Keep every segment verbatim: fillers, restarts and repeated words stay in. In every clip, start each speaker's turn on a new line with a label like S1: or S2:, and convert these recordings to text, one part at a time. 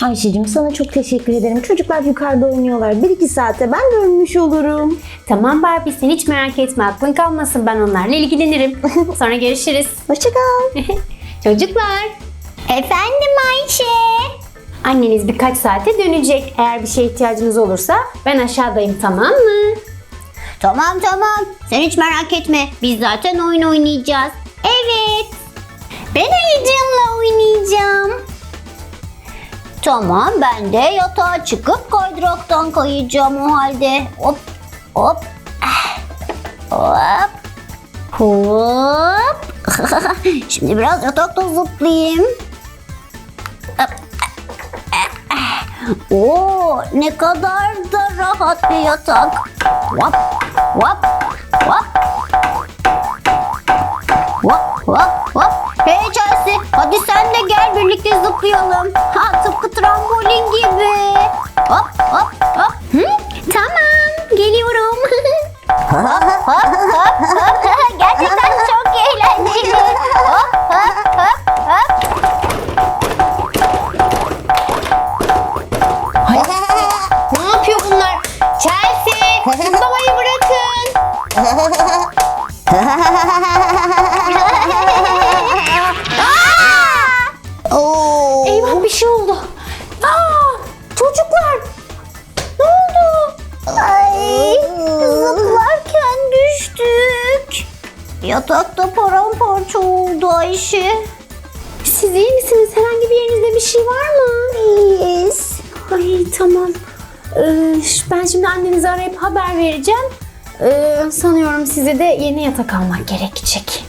S1: Ayşe'cim sana çok teşekkür ederim. Çocuklar yukarıda oynuyorlar. Bir iki saate ben dönmüş olurum.
S2: Tamam Barbie, sen hiç merak etme, aklın kalmasın, ben onlarla ilgilenirim. Sonra görüşürüz.
S1: Hoşça kal.
S2: Çocuklar,
S3: Efendim Ayşe.
S2: anneniz birkaç saate dönecek. Eğer bir şeye ihtiyacınız olursa ben aşağıdayım, tamam mı?
S3: Tamam tamam. Sen hiç merak etme. Biz zaten oyun oynayacağız. Evet. Ben ayıcığımla oynayacağım. Tamam, ben de yatağa çıkıp kaydıraktan kayacağım o halde. Hop hop. Ah, hop. Hop. Şimdi biraz yatakta zıplayayım. Hop. Oo, ne kadar da rahat bir yatak. Hop hop hop. Hop hop hop. Hey Chelsea, hadi sen de gel, birlikte zıplayalım. Ha, tıpkı trambolin gibi. Hop hop hop. Hı? Tamam, geliyorum. hop hop hop hop. Gerçekten çok eğlenceli. Hop hop hop hop.
S2: Ne yapıyor bunlar? Chelsea, zıplamayı bırakın.
S3: Oo.
S2: Eyvah, bir şey oldu. Aa, çocuklar, ne oldu?
S3: Ay, zıplarken düştük. Yatakta paramparça oldu Ayşe.
S2: Siz iyi misiniz? Herhangi bir yerinizde bir şey var mı?
S3: İyiyiz.
S2: Ay tamam. Ee, ben şimdi annenizi arayıp haber vereceğim. Ee, sanıyorum size de yeni yatak almak gerekecek.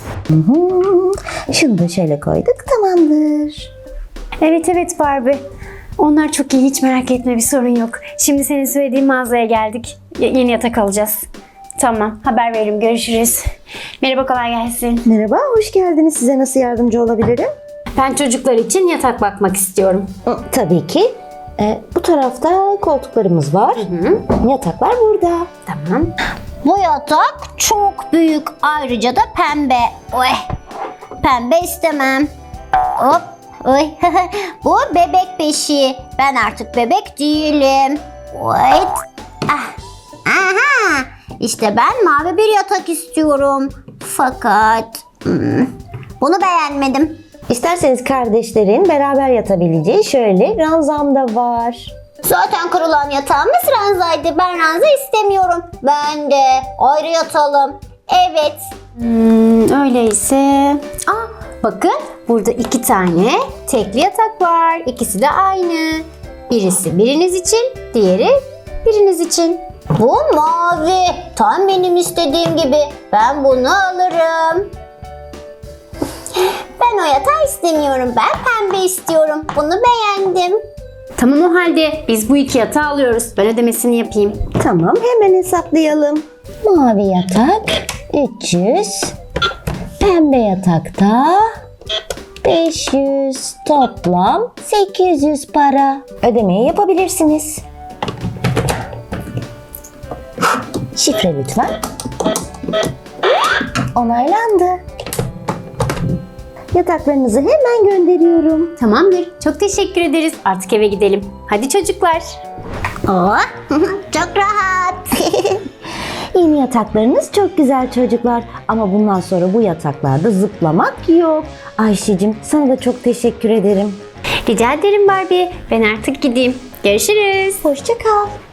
S1: Şunu da şöyle koyduk, tamamdır.
S2: Evet evet Barbie. Onlar çok iyi, hiç merak etme, bir sorun yok. Şimdi senin söylediğin mağazaya geldik. Y- yeni yatak alacağız. Tamam, haber veririm, görüşürüz. Merhaba, kolay gelsin.
S1: Merhaba, hoş geldiniz. Size nasıl yardımcı olabilirim?
S2: Ben çocuklar için yatak bakmak istiyorum.
S1: Hı, Tabii ki. Ee, bu tarafta koltuklarımız var.
S2: Hı,
S1: Yataklar burada.
S2: tamam.
S3: Bu yatak çok büyük. Ayrıca da pembe. Oy. Pembe istemem. Hop. Oy. Bu bebek beşiği. Ben artık bebek değilim. Oy. Ah. Aha. İşte ben mavi bir yatak istiyorum. Fakat hmm, bunu beğenmedim.
S1: İsterseniz kardeşlerin beraber yatabileceği şöyle ranzam da var.
S3: Zaten kırılan yatağımız ranzaydı. Ben ranza istemiyorum. Ben de ayrı yatalım. Evet.
S2: Hmm, öyleyse... Aa, bakın burada iki tane tekli yatak var. İkisi de aynı. Birisi biriniz için, diğeri biriniz için.
S3: Bu mavi. Tam benim istediğim gibi. Ben bunu alırım. Ben o yatağı istemiyorum. Ben pembe istiyorum. Bunu beğendim.
S2: Tamam, o halde biz bu iki yatağı alıyoruz. Ben ödemesini yapayım.
S1: Tamam, hemen hesaplayalım. Mavi yatak üç yüz, pembe yatakta beş yüz, toplam sekiz yüz para. Ödemeyi yapabilirsiniz. Şifre lütfen. Onaylandı. Yataklarınızı hemen gönderiyorum.
S2: Tamamdır. Çok teşekkür ederiz. Artık eve gidelim. Hadi çocuklar.
S3: Oh, çok rahat.
S1: Yeni yataklarınız çok güzel çocuklar. Ama bundan sonra bu yataklarda zıplamak yok. Ayşe'cim sana da çok teşekkür ederim.
S2: Rica ederim Barbie. Ben artık gideyim. Görüşürüz.
S1: Hoşça kal.